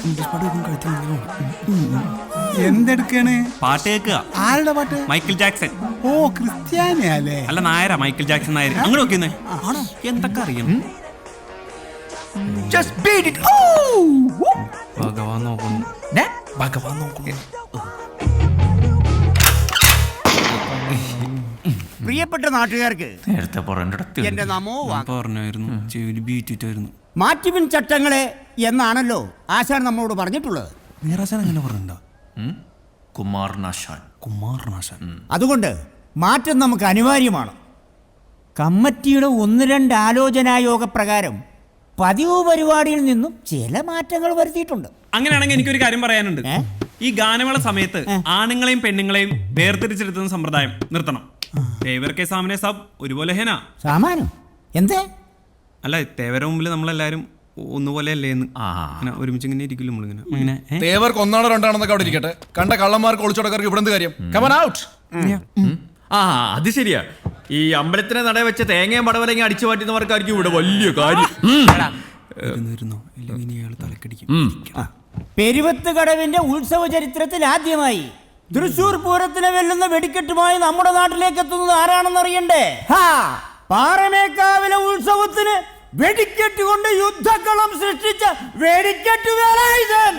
എന്തെടുക്കാണ്? പാട്ട് കേൾക്കുക. ആരുടെ പാട്ട്? Michael Jackson. ഓ, ക്രിസ്ത്യാനിയല്ലേ? അല്ല, നായരാ. Michael Jackson Nair. അങ്ങനെ നോക്കിയെന്നേ. ആണോ? എന്തൊക്കെ അറിയാം. ഭഗവാൻ നോക്കുന്നു. ഭഗവാൻ നോക്കുന്നു. പ്രിയപ്പെട്ട നാട്ടുകാർക്ക് നേരത്തെ എന്റെ നമോ പറഞ്ഞായിരുന്നു. ചെവിയിൽ ബീറ്റിട്ടായിരുന്നു. മാറ്റിപ്പിൻ ചട്ടങ്ങളെ എന്നാണല്ലോ ആശാൻ നമ്മളോട് പറഞ്ഞിട്ടുള്ളത്. നീറാശാൻ അങ്ങനെ പറഞ്ഞിട്ടുണ്ടോ? കുമാരനാശാൻ. അതുകൊണ്ട് മാറ്റം നമുക്ക് അനിവാര്യമാണ്. കമ്മിറ്റിയുടെ 1-2 ആലോചനായോഗ പ്രകാരം പതിവ് പരിപാടിയിൽ നിന്നും ചില മാറ്റങ്ങൾ വരുത്തിയിട്ടുണ്ട്. അങ്ങനെയാണെങ്കിൽ എനിക്കൊരു കാര്യം പറയാനുണ്ട്. ഈ ഗാനമേള സമയത്ത് ആണുങ്ങളെയും പെണ്ണുങ്ങളെയും വേർതിരിച്ചെടുത്തുന്ന സമ്പ്രദായം നിർത്തണം. തേവർക്ക് സാമനെ സാബ് ഒരുപോലെ ഹേന. സാമാനം എന്തേ? അല്ല, തേവരുടെ മുമ്പിൽ നമ്മളെല്ലാരും ഒന്നുപോലെ അല്ലേന്ന്. ഒരുമിച്ച് ഇങ്ങനെ ഇരിക്കില്ല നമ്മളിങ്ങനെ. തേവർക്ക് 1 2 അവിടെ ഇരിക്കട്ടെ. കണ്ട കള്ളന്മാർക്ക് ഒളിച്ചോടക്കാർക്ക് ഇവിടെ എന്ത് കാര്യം? Come on out. അത് ശരിയാ. ഈ അമ്പലത്തിനെ നട വെച്ച തേങ്ങയും പടവലങ്ങി അടിച്ചു മാറ്റുന്നവർക്കായിരിക്കും ഇവിടെ വലിയ കാര്യം. പെരുവത്ത് കടവിന്റെ ഉത്സവ ചരിത്രത്തിൽ ആദ്യമായി തൃശൂർ പൂരത്തിനെ വെല്ലുന്ന വെടിക്കെട്ടുമായി നമ്മുടെ നാട്ടിലേക്ക് എത്തുന്നത് ആരാണെന്നറിയണ്ടേ? പാറമേക്കാവിലെ ഉത്സവത്തിന് വെടിക്കെട്ട് കൊണ്ട് യുദ്ധക്കളം സൃഷ്ടിച്ച വെടിക്കെട്ട് വേലായുധൻ.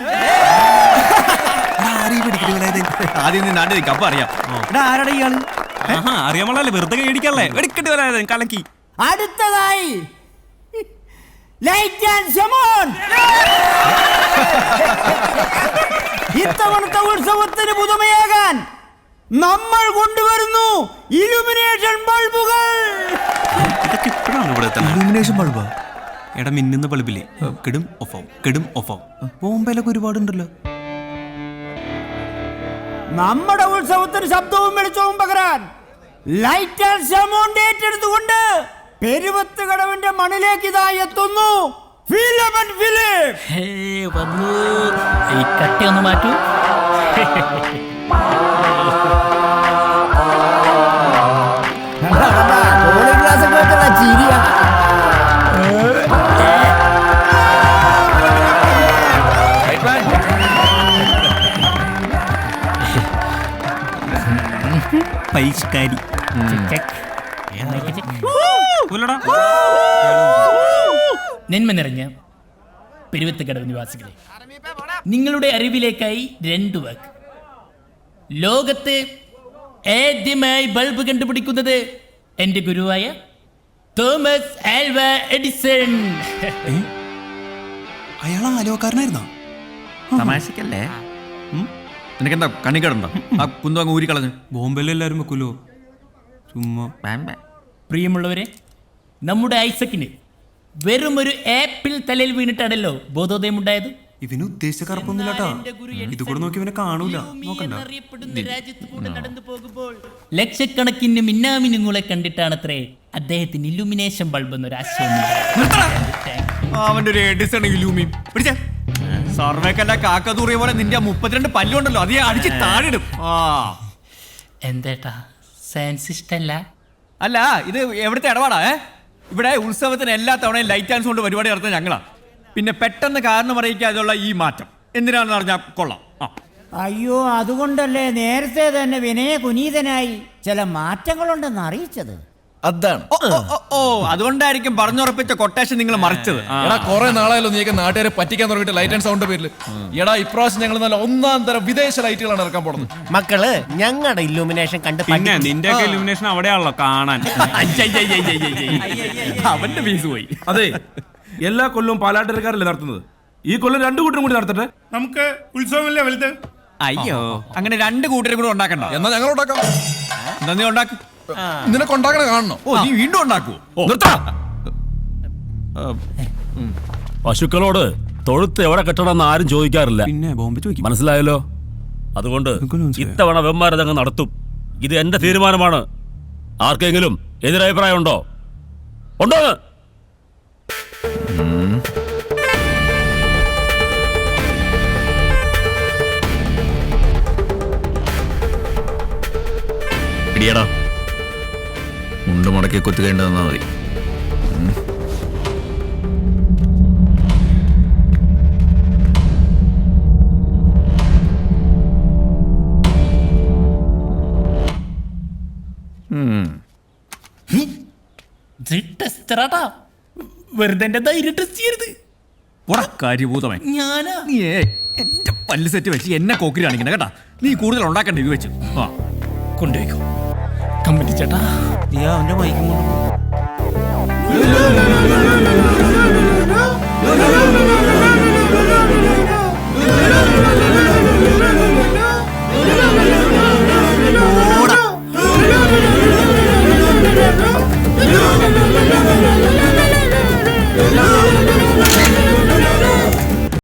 ആദ്യം നാട്ടിൽ അപ്പൊ അറിയാം. ആരാടാ ഇയാള്? അറിയാമല്ലേ, വെറുതെ കേടിക്കല്ലേ. വെടിക്കെട്ട് വേലായുധൻ കലക്കി. അടുത്തതായി ലൈറ്റ് ആൻഡ് ഷമോൺ. ഇത്തവണത്തെ ഉത്സവത്തിന് പുതുമയാകാൻ നമ്മൾ കൊണ്ടുവരുന്നു ഇലുമിനേഷൻ ബൾബുകൾ. ഇതൊക്കെ ഇപ്പോഴാണ് ഇവിടെ ഇലുമിനേഷൻ ബൾബാ? എടാ, മിന്നുന്ന ബൾബില്ലേ, കെടും ഓഫ് ആവും. ബോംബെയിലൊക്കെ ഒരുപാടുണ്ടല്ലോ. നമ്മുടെ ഉത്സവത്തിന് ശബ്ദവും വെളിച്ചവും പകരാൻ ലൈറ്റ് ആൻഡ് ഷമോൺ ഏറ്റെടുത്തുകൊണ്ട് പെരുവത്ത് കടവിന്റെ മണിലേക്ക് ഇതാ എത്തുന്നു ഫിലമൻ ഫിലിപ്പ്. വന്നു. ഈ കട്ടി ഒന്ന് മാറ്റൂ. പരിഷ്കാരി. നന്മ നിറഞ്ഞ പെരുവത്ത് കടവ് നിവാസികളെ, നിങ്ങളുടെ അറിവിലേക്കായി 2 വാക്ക്. ലോകത്ത് ആദ്യമായി ബൾബ് കണ്ടുപിടിക്കുന്നത് എന്റെ ഗുരുവായ തോമസ് ആൽവ എഡിസൺ. അയാൾ ആലോകാരനായിരുന്നോ? തമാശക്കല്ലേ? നിനക്കെന്താ കണ്ണിക്കടുണ്ടോ? ആ കുന്തു അങ്ങ് ഊരിക്കളഞ്ഞു. ബോംബെയിൽ എല്ലാരും വെക്കൂലോ ചുമ്മാ. പ്രിയമുള്ളവരെ, നമ്മുടെ ഐസക്കിന് വെറും ഒരു ആപ്പിൾ തലയിൽ വീണിട്ടാണല്ലോ ബോധോദയം ഉണ്ടായത്. ഇവന് ഉദ്ദേശിച്ച കറുപ്പൊന്നുമില്ലാട്ടാ. ഇത് കൂടെ നോക്കി ഇവനെ കാണൂല. നോക്കണ്ട. നടന്നു പോകുമ്പോൾ ലക്ഷക്കണക്കിന് മിന്നാമിനുങ്ങളെ കണ്ടിട്ടാണത്രേ അദ്ദേഹത്തിന് ഇലുമിനേഷൻ ബൾബ് എന്നൊരു ആശയം. അവന്റെ ഒരു എഡിസൺ ഇലൂമി പിടിച്ച സർവേക്കല്ല കാക്കതൂറിയ പോലെ നിന്റെ 32 പല്ലുണ്ടല്ലോ, അതേ അടിച്ച് താഴിടും. എന്തേട്ടാ, സയൻസ് ഇഷ്ടല്ല? അല്ല, ഇത് എവിടുത്തെ ഇടപാടാ? ഇവിടെ ഉത്സവത്തിന് എല്ലാ തവണയും ലൈറ്റ് ആൻഡ് സൗണ്ട് പരിപാടി നടത്തുന്നത് ഞങ്ങളാ. പിന്നെ പെട്ടെന്ന് കാരണം അറിയിക്കാതെയുള്ള ഈ മാറ്റം എന്തിനാണെന്ന് അറിഞ്ഞാൽ കൊള്ളാം. അയ്യോ, അതുകൊണ്ടല്ലേ നേരത്തെ തന്നെ വിനയ കുനീതനായി ചില മാറ്റങ്ങളുണ്ടെന്ന് അറിയിച്ചത്. അതാണ്. ഓ, അതുകൊണ്ടായിരിക്കും പറഞ്ഞുറപ്പിച്ച കൊട്ടേഷൻ നിങ്ങൾ മറിച്ചത്. എടാ, കുറെ നാളായല്ലോ നീക്ക് നാട്ടുകാരെ പറ്റിക്കാൻ തുടങ്ങിയിട്ട് ലൈറ്റ് ആൻഡ് സൗണ്ട് പേരിൽ. എടാ, ഇപ്രാവശ്യം ഞങ്ങൾ നല്ല 1-ാം തരം വിദേശ ലൈറ്റുകളാണ് ഇറക്കാൻ പോകുന്നത്. മക്കള് ഞങ്ങളുടെ ഇല്ലുമിനേഷൻ കണ്ട് പിന്നെ നിന്റെ ഇലുമിനേഷൻ അവിടെയാണല്ലോ കാണാൻ. അവന്റെ ഫീസ് പോയി. അതെ, എല്ലാ കൊല്ലവും പാലാട്ടരക്കാരല്ലേ നടത്തുന്നത്. ഈ കൊല്ലം 2 കൂട്ടരും കൂടി നടത്തട്ടെ. നമുക്ക് ഉത്സവമല്ലേ വലുത്. അയ്യോ, അങ്ങനെ 2 കൂട്ടരും കൂടെ ഉണ്ടാക്കണ്ട. എന്നാ ഞങ്ങൾ ഉണ്ടാക്കാം. എന്താ നീ ഉണ്ടാക്കും? നിനക്ക് ഉണ്ടാക്കണ കാണണം. ഓ, നീ വീണ്ടും ഉണ്ടാക്കുവോ? പശുക്കളോട് തൊഴുത്ത് എവിടെ കെട്ടണമെന്ന് ആരും ചോദിക്കാറില്ല. പിന്നെ ബോംബെ ചോദിക്കും. മനസ്സിലായല്ലോ? അതുകൊണ്ട് ഇത്തവണ വെമ്മാരതങ്ങ് നടത്തും. ഇത് എന്റെ തീരുമാനമാണ്. ആർക്കെങ്കിലും എതിരഭിപ്രായം ഉണ്ടോ? ഉണ്ടോ? ഇടിയടാ, മുണ്ട് മുടക്കി കുത്തുകേണ്ടതെന്നാ മതി. ടീച്ചറാട്ടാ, വെറുതെ എന്റെ ധൈര്യം ടെസ്റ്റ് ചെയ്യരുത്. കാര്യഭൂതമേ ഞാനാ നീ എന്റെ പല്ല് സെറ്റ് വെച്ച് എന്നെ കോക്കിരി കാണിക്കണ കേട്ടാ. നീ കൂടുതൽ ഉണ്ടാക്കണ്ട ഇത് വെച്ച്. ആ കൊണ്ടുപോയിക്കോ കമ്പനി ചേട്ടാ. നീ അവന്റെ മൈക്കും കൊണ്ട് ആ